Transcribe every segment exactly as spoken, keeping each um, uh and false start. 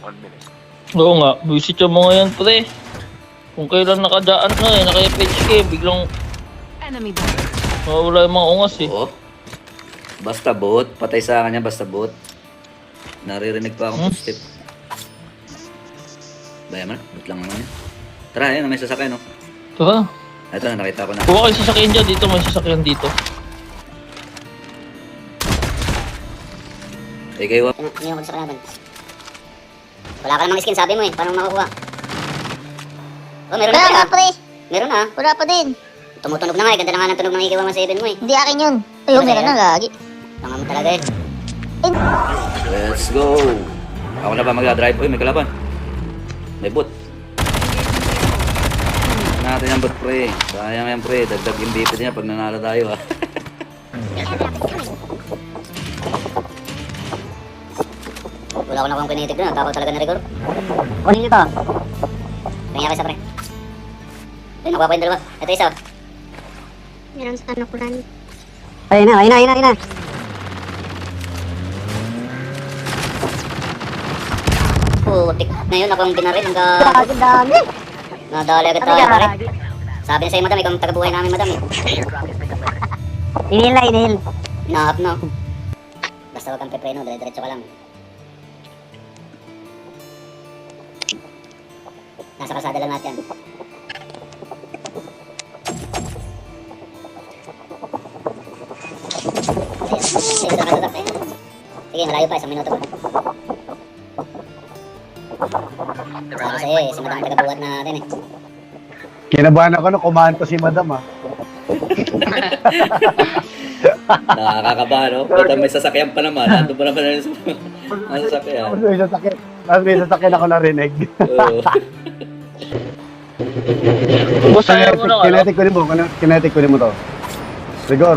Oo nga, visit yung mga yan pre. Kung kailan nakadaan na eh, naka-F H K, biglang Enemy down. mawala yung mga ungas eh. Oo. Basta bot. Patay sa kanya, basta bot. Naririnig pa akong Hmm? footstep. Bayan mo na, bot lang naman yun. Tara, ayun, may sasakyan, no? Tara, Ito na, nakita ko na. kuha kayo sasakyan dyan dito, may sasakyan dito. Eh, kayo, Ano yung sa natin? Wala ka namang skin, sabi mo eh. Paano makukuha? Oh, meron na Wala pala. na, pre. Meron na. Wala pa din. Tumutunog na nga eh. Ganda na nga ng tunog ng I K one seven mo eh. Hindi akin yun. Ayun, Ano meron yan? na lagi. Tanga mo talaga eh. let's go. Ako na ba magdadrive? Uy, may kalaban. May bot. Natin yan, bot, pre. Sayang yan, pre. Dagdag yung B P niya pag nanalo tayo, ha. Wala ko na kung kinitig doon. Takaw talaga na rigor. Kunin nyo to. Tingnan kayo sa pre. Ay, nakuha ko yung dalawa. Ito isa. oh. Meron sa nakulan. Ayun na, ayun na, ayun na, ayun na. Putik. Ngayon ako ang binaril. Ang gago. Grabe, dami. Nadali agad tayo pare. Sabi na sa'yo madam, ikaw ang tagabuhay namin madam eh. Inhale na, inhale. Hinahap na. Basta wag kang pepreno, dire-diretso ka lang. Nasa kalsada lang natin. Sige, sa kalsada. Sige, malayo pa, isang minuto pa. Sabi sa'yo eh, si madam ang tagabuhat natin eh. Kinabahan ako nung kumanto si madam, ah. Nakakakaba, no? Ito may sasakyan pa naman. Ando pa naman na yung ang sasakyan. Tapos may sasakyan. Tapos may sasakyan ako narinig. Oo. Boss, ayaw mo na ano? Kinetic ko rin mo. Kinetic ko rin mo to. Rigor.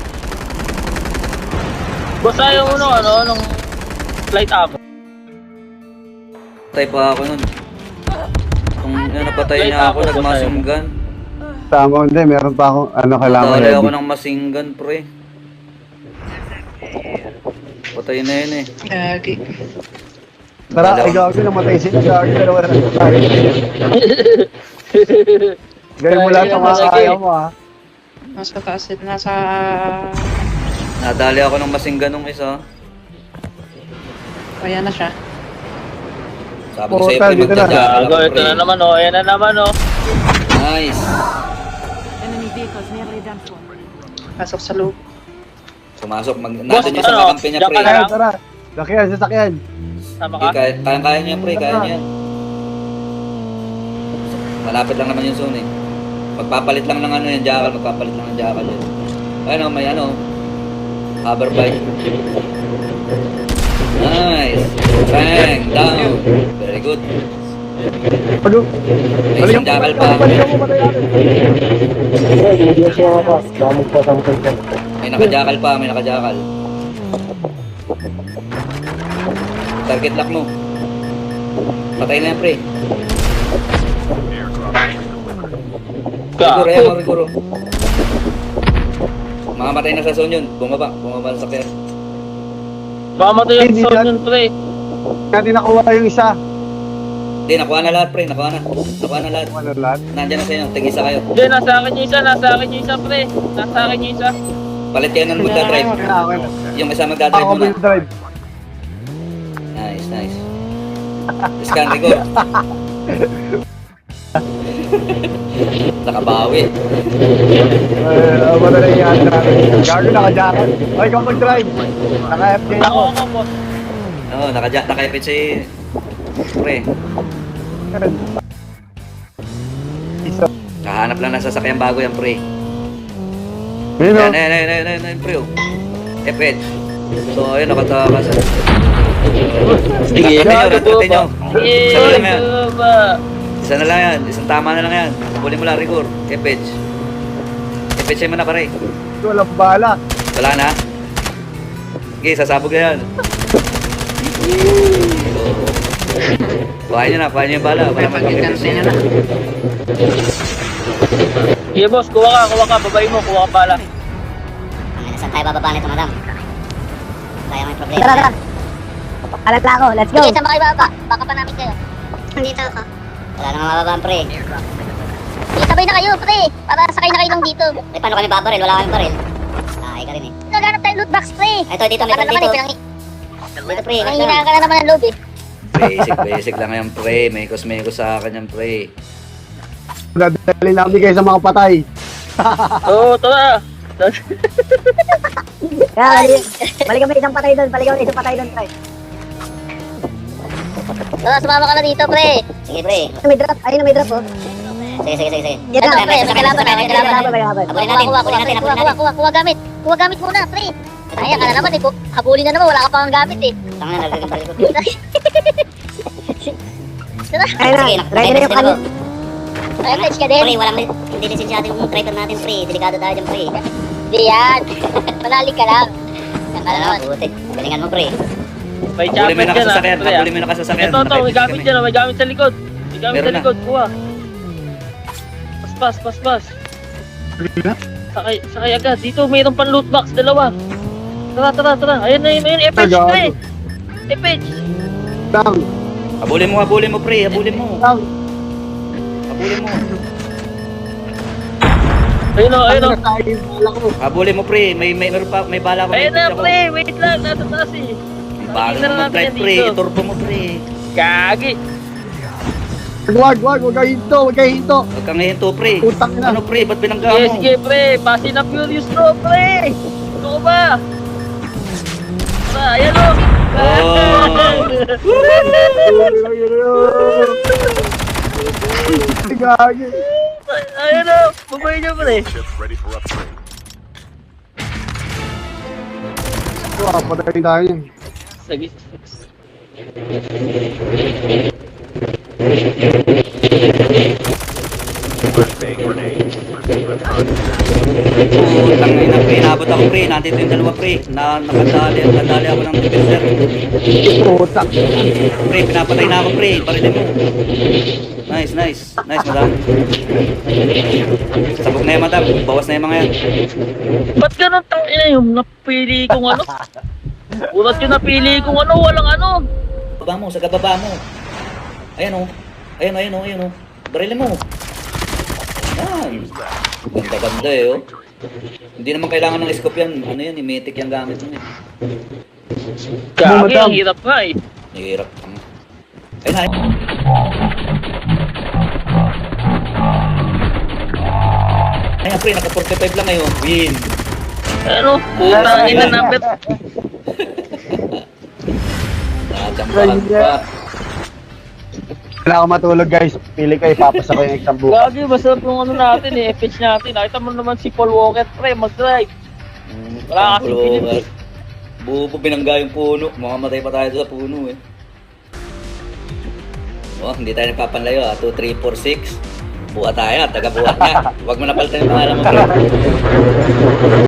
Boss, ayaw mo na ano, nung flight up. Patay pa ako nun. Kung ano, napatay niya ako, nagmasinggan. Tama, hindi. Meron pa akong ano kailangan Natali ako heavy. ng masinggan, pre. Patay na yun eh. Gagi. Tara, ay gawin namatay sila. Gawin na naman ang tayo. Gawin mo lahat ng mga kaya mo, ha. Nasa taas, nasa... Nadali ako ng masinggan nung isa. Kaya na siya. Sabi ko Oo, sa'yo, tayo, pre, dito na. magdadya ka Gago, lang, ito pre. na naman oh, ayan na naman oh. Nice. Pasok sa loob. Sumasok. Mag Boss, nandun yung sa ano? kakampi niya, Diyan pre. ka na Tara, lang? tara. Sakyan, sasakyan. Sama Okay, ka? kaya, kaya, kaya niya, pre. Kaya niya. Malapit lang naman yung zone eh. Magpapalit lang ng ano yung jackal. Magpapalit lang ng jackal yun. Ayun oh, may ano. Hover bike. Nice. Bang. Down. Very good. Ano? May isang jackal pa. May nakajakal pa. May nakajakal. Target lock mo. Patay na yan, pre. Rigor, ayan mo, Gago. rigor. Makamatay na sa zone yun. Bumaba. Bumaba sa sakyan. Mamatay yung Hindi sound na- yun pre. Hindi nakuha yung isa. Hindi, nakuha na lahat, pre. Nakuha na. Nakuha na lahat. Ano lahat? Nandiyan na sa inyo. Tig-isa kayo. Hindi, nasa akin yung isa, nasa akin yung isa pre. Nasa akin yung isa. Palit kayo ng magdadrive. Ah, okay. Yung isa magdadrive Ako muna. will drive. Nice, nice. Scan, rigor. Nakabawi. Eh, ako na lang yan. Gago naka-jacket. Ay, ikaw mag-drive. Naka-F K Ako ako. ako boss. Oo, oh, naka nakaipit si... Pre. Isa. Kahanap lang ng sasakyan bago yan, pre. Yun o. Ayan, ayan, ayan, ayan, ayan, ayan, pre. oh. F H. So, ayun, nakatakas. Sige, Tapunin nyo, tapunin nyo. Eh, Isa na lang yan. ba? Isa na lang yan. Isang tama na lang yan. Tapulin mo lang, rigor. F H. F H mo na, pare. Walang bala. Wala na. Okay, sasabog na yan. Kuhain nyo na, kuhain nyo yung bala. Wala Pag-cancel na na. Sige boss, kuha ka, kuha ka, babay mo, kuha ka pala. Ang saan tayo bababa nito madam? Kaya may problema. Tara, tara. Alat lang ako, let's go! Sige, saan ba kayo baba? Baka pa namin kayo. Nandito ako. Wala nang mababaan, pre. Sige, sabay na kayo, pre. Para sakay na kayo ng dito. Eh, paano kami babaril? Wala kami baril. Ay, ka rin eh. Naghanap tayo loot box, pre. Ito, dito, may Ano pan naman dito. eh, pinang... Dito, pre. wait lang. Nanginaan ka na naman ng loob eh. Basic, basic lang yan, pre. May mekos sa akin yan, pre. Dadali lang kayo sa mga patay. Oo, tara. Kaya, balik kami isang patay doon. Balik kami isang patay doon, pre. Tara, sumama ka na dito, pre. Sige, pre. May drop. Ayun, may drop, oh. Sige, sige, sige, sige. Ito, pre, may kalaban na, may kalaban na. Habulin Kuha, natin, kuha, kuha, habulin natin, kuha, habulin kuha, natin. kuha, kuha gamit. Kuha gamit muna, pre. Ay, ka na naman eh. Habulin na naman, wala ka pang gamit eh. Tanga na, nalaglag ang baril ko. Tara. Ayun na, ready na yung kanin. Ay, pledge ka Pre, din. walang hindi lisensyado yung traitor natin, pre. Delikado tayo dyan, pre. Hindi yan. Manali ka lang. Yan ka na Ano, naman. buti. Galingan mo, pre. May Habulin mo chopper yung dyan, nakasasakyan. ah, pre, ah. Habulin mo yung nakasasakyan. Ito, ito, may Nakaibigan gamit kami. dyan, ah, may gamit sa likod. May gamit Meron sa na. likod, kuha. Pas, pas, pas, pas. Sakay, sakay agad. Dito, mayroon pang loot box, dalawa. Tara, tara, tara. Ayan na yun, ayun, Epage, Agad. pre. Epage. Lang, Habulin mo, habulin mo, pre. Habulin mo. lang. Habulin mo. Ayun o, ayun o. Ano tayo, wala ko. Habulin mo, pre. May, may, meron pa, may bala ko. Ayun na, May pre. Wait lang, nasa taas eh. Bala Tingnan mo, natin pre. yan Pre, dito. iturbo mo, pre. Gagi. Wag, wag, wag kayo hinto, wag kayo hinto. Huwag kang hihinto, pre. Utang na. Ano, pre? Ba't binangga Sige, mo? sige, pre. Fast and Furious to, pre. Ano ko ba? Tara, ayan o. Gagi. Ayan o. Bumay niyo, pre. Wow, patayin tayo niyan. Sige. Putang ina, pre. Nabot ako, pre. Nandito yung dalawa, pre. Na, nakadali, nakadali ako ng defender. Puta. Pre, pinapatay na ako, pre. Barilin mo. Nice, nice. Nice, madam. Sabog na yan, madam. Bawas na yung mga yan. Ba't ganun tang ina yung napili kong ano? Ulat yung napili kong ano, walang ano. Baba mo, sa gababa mo. Ayan o. Ayan o, ayan o, ayan o. Barilin mo. Yan. Ganda-ganda eh, oh. Hindi naman kailangan ng scope yan. Ano yan, imetic yung gamit mo eh. Gagi, Madam. ang hirap nga eh. Nahihirap ka mo. Ayun na, ayun. Ayan, pre, naka forty-five lang ngayon. Win. Ano, puta ina number. Nakachambahan pa. Wala akong matulog guys. Pili kayo, papasa ko yung exam bukas. Gagi, masarap yung ano natin eh, F H natin. Nakita mo naman si Paul Walker, pre, mag-drive. Wala kasi pilit eh. Bubo, binangga yung puno. Mamamatay pa tayo doon sa puno eh. Oh, hindi tayo nagpapanlayo ah. two, three, four, six. Buha tayo, taga-buha na. Huwag mo napalitan yung pangalan mo, bro.